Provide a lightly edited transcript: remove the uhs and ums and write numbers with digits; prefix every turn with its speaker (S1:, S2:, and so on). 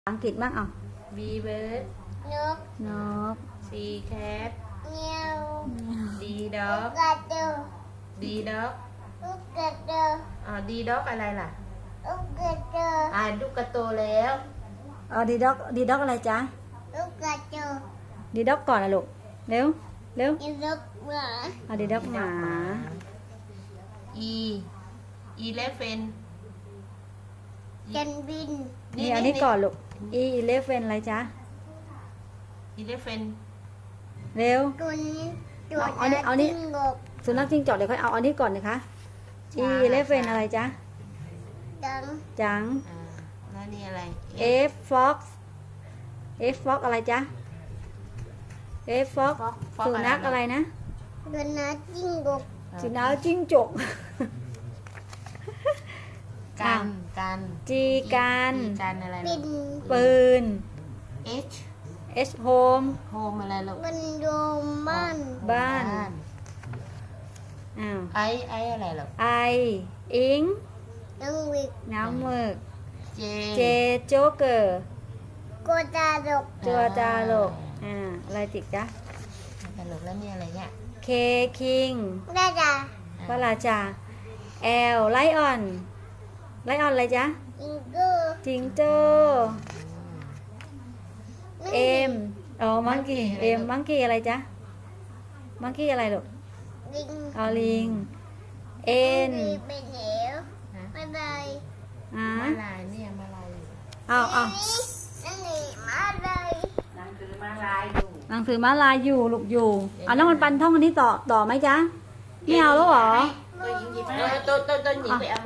S1: อังกฤษบ้างเอา
S2: B bird
S3: นก
S1: นก
S2: C cat
S3: เงี้ยว
S2: D
S3: ลู
S2: dog
S3: กกระโดด
S2: D dog
S3: ลูกกระโดด
S2: D dog อะไรล่ะ
S3: ลูกกระโดด
S2: ลูกกระโตแล้ว
S1: ดีด็อกดีด็อกอะไรจ๊ะ
S3: ลูกกระโดด
S1: ดีด็อกก่อนนะลูกเร็วเร็ว
S3: อีลูกหมา
S1: เอาดีด็อกหมา
S2: E elephant
S3: จันบิน
S1: นี่อันนี้ก่อนลูก E11 อะไรจ๊ะ
S2: elephant
S1: เร็ว
S3: ตัวนี้ตัว
S1: เอานี่
S3: จิ้งจก
S1: สุนัขจิ้งจอกเดี๋ยวค่อยเอาอันนี้ก่อนนะคะ E11 อะไรจ๊ะ
S3: ดัง
S1: จัง
S2: แล้วนี่อะไร
S1: F fox F fox อะไรจ๊ะ F fox สุนัขอะไรนะ
S3: ตัวนัดจิ้งจก
S1: สุนัขจิ้งจก
S2: กัน
S1: G กัน
S2: กันอะไร
S3: บิน
S1: ปืน
S2: H
S1: H home
S2: home อะไรลูก
S3: มันโดมบ้าน
S1: บ้านอ้าว
S2: I อะไรลูก
S1: I อิง
S3: นังวิก
S1: น้ำหมึก
S2: J
S1: J โจ๊กเกอร์
S3: โกตาดก
S1: จัวจาโลกอะไรติดจ๊ะ
S2: ตลกแล้วนี่อะไรเนี่ย
S1: K King
S3: ได้จ้ะ
S1: พระราชา L Lion Lion อะไรจ๊ะ
S3: จิงเกอร์
S1: จิงโจ้ M อ๋อ Monkey M Monkey อะไรจ๊ะ Monkey อะไรลูก
S3: ลิง
S1: เอาลิง N
S3: เป็นเหวไม่ได้
S1: อ่า
S2: มาลายเนี่ยมาลาย
S1: เอา
S3: นั่นนี่มาเลย
S2: หนังสือมาลายอยู่
S1: หนังสือม้าลายอยู่ลูกอยู่เอาน้องมันปันท่องอันนี้ต่อไหมจ๊ะไม่เอาแล้วเหรอ
S2: ตัวหญิงหยิบตัวหญิงไปเอา